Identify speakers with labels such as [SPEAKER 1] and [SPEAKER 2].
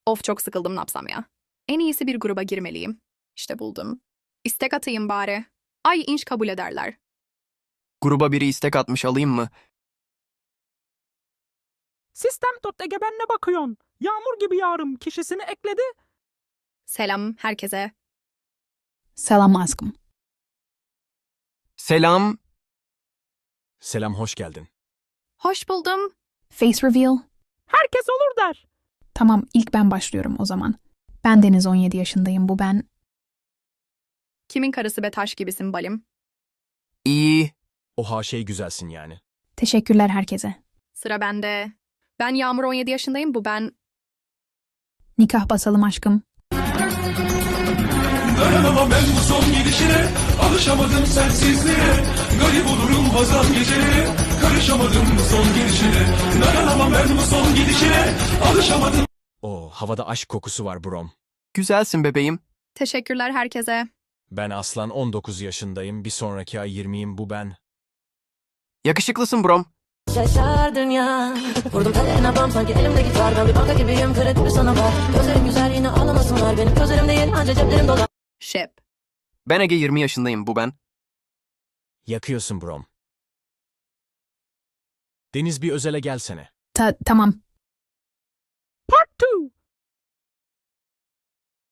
[SPEAKER 1] Of çok sıkıldım ne yapsam ya. En iyisi bir gruba girmeliyim. İşte buldum. İstek atayım bari. Ay inş kabul ederler.
[SPEAKER 2] Gruba biri istek atmış, alayım mı?
[SPEAKER 3] Sistem.ege ben ne bakıyorsun? Yağmur gibi yağarım kişisini ekledi.
[SPEAKER 1] Selam herkese.
[SPEAKER 4] Selam aşkım.
[SPEAKER 2] Selam.
[SPEAKER 5] Selam, hoş geldin.
[SPEAKER 1] Hoş buldum.
[SPEAKER 4] Face reveal.
[SPEAKER 3] Herkes olur der.
[SPEAKER 4] Tamam, ilk ben başlıyorum o zaman. Ben Deniz, 17 yaşındayım. Bu ben.
[SPEAKER 1] Kimin karısı be taş gibisin balim.
[SPEAKER 2] İyi.
[SPEAKER 5] Oha şey güzelsin yani.
[SPEAKER 4] Teşekkürler herkese.
[SPEAKER 1] Sıra bende. Ben Yağmur 17 yaşındayım bu ben.
[SPEAKER 4] Nikah basalım aşkım.
[SPEAKER 6] Dayanamam ben bu son gidişine, alışamadım sensizliğe. Garip olurum bazen geceleri, karışamadım bu son gidişine. Dayanamam ben bu son gidişine, alışamadım.
[SPEAKER 5] Oo, havada aşk kokusu var brom.
[SPEAKER 2] Güzelsin bebeğim.
[SPEAKER 1] Teşekkürler herkese.
[SPEAKER 5] Ben Aslan, 19 yaşındayım. Bir sonraki ay 20'yim, bu ben.
[SPEAKER 2] Yakışıklısın brom.
[SPEAKER 7] Şaşar dünya. Vurdum kaderine bam sanki elimde gitar. Ben bir banka gibiyim, kredi bir sana var. Gözlerim güzel yine ağlamasın var. Benim gözlerim değil anca ceplerim dolar.
[SPEAKER 1] Şep.
[SPEAKER 2] Ben Ege, 20 yaşındayım. Bu ben.
[SPEAKER 5] Yakıyorsun brom. Deniz, bir özele gelsene.
[SPEAKER 4] Tamam.